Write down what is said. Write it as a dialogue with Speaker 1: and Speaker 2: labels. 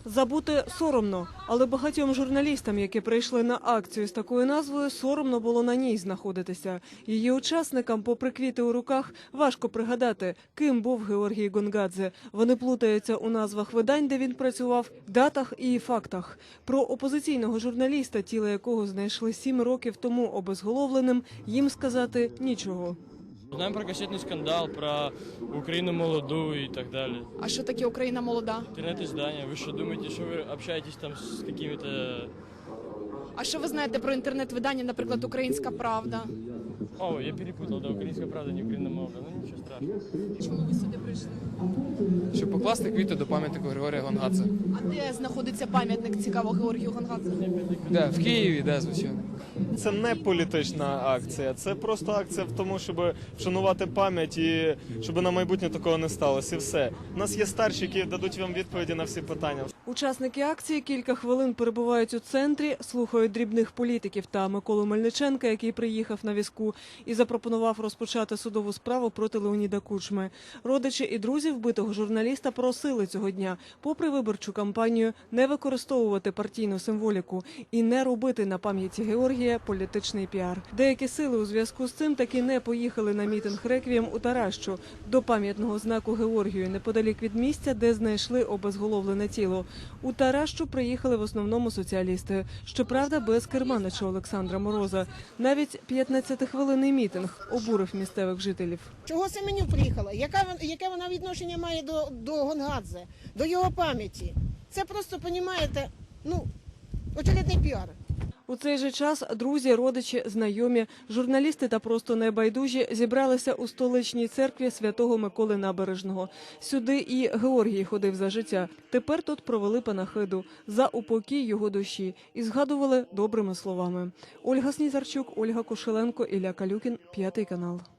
Speaker 1: Забути соромно, але багатьом журналістам, які прийшли на акцію з такою назвою, соромно було на ній знаходитися. Її учасникам, попри квіти у руках, важко пригадати, ким був Георгій Гонгадзе. Вони плутаються у назвах видань, де він працював, датах і фактах. Про опозиційного журналіста, тіло якого знайшли 7 років тому обезголовленим, їм сказати нічого.
Speaker 2: Знаємо про касетний скандал, про Україну молоду і так далі.
Speaker 3: А що таке Україна молода?
Speaker 2: Інтернет-издання. Ви що думаєте, що ви общаєтесь там з якими-то...
Speaker 3: А що ви знаєте про інтернет-видання, наприклад, «Українська правда»?
Speaker 2: О, я перепутав, да, Українська правда, не Україна молода. Ну нічого страшного.
Speaker 3: Чому ви сюди прийшли?
Speaker 4: Щоб покласти квіти до пам'ятнику Григорія Гонгадзе.
Speaker 3: А де знаходиться пам'ятник, цікаво, Георгію Гонгадзе?
Speaker 4: Де? В Києві, де, звичайно.
Speaker 5: Це не політична акція, це просто акція в тому, щоб вшанувати пам'ять і щоб на майбутнє такого не сталося. І все. У нас є старші, які дадуть вам відповіді на всі питання.
Speaker 1: Учасники акції кілька хвилин перебувають у центрі, слухають дрібних політиків та Миколу Мельниченка, який приїхав на візку і запропонував розпочати судову справу проти Леоніда Кучми. Родичі і друзі вбитого журналіста просили цього дня, попри виборчу кампанію, не використовувати партійну символіку і не робити на пам'яті Георгія політичний піар. Деякі сили у зв'язку з цим таки не поїхали на мітинг «Реквієм» у Таращу, до пам'ятного знаку Георгію, неподалік від місця, де знайшли обезголовлене тіло. У Таращу приїхали в основному соціалісти. Щоправда, без керманича Олександра Мороза. Навіть 15-хвилинний мітинг обурив місцевих жителів.
Speaker 6: Чого Семенюк приїхала? Яке вона відношення має до Гонгадзе, до його пам'яті? Це просто, розумієте, очередний піар.
Speaker 1: У цей же час друзі, родичі, знайомі, журналісти та просто небайдужі зібралися у столичній церкві Святого Миколи Набережного. Сюди і Георгій ходив за життя. Тепер тут провели панахиду за упокій його душі і згадували добрими словами. Ольга Снізарчук, Ольга Кошеленко, Ілля Калюкін, 5 канал.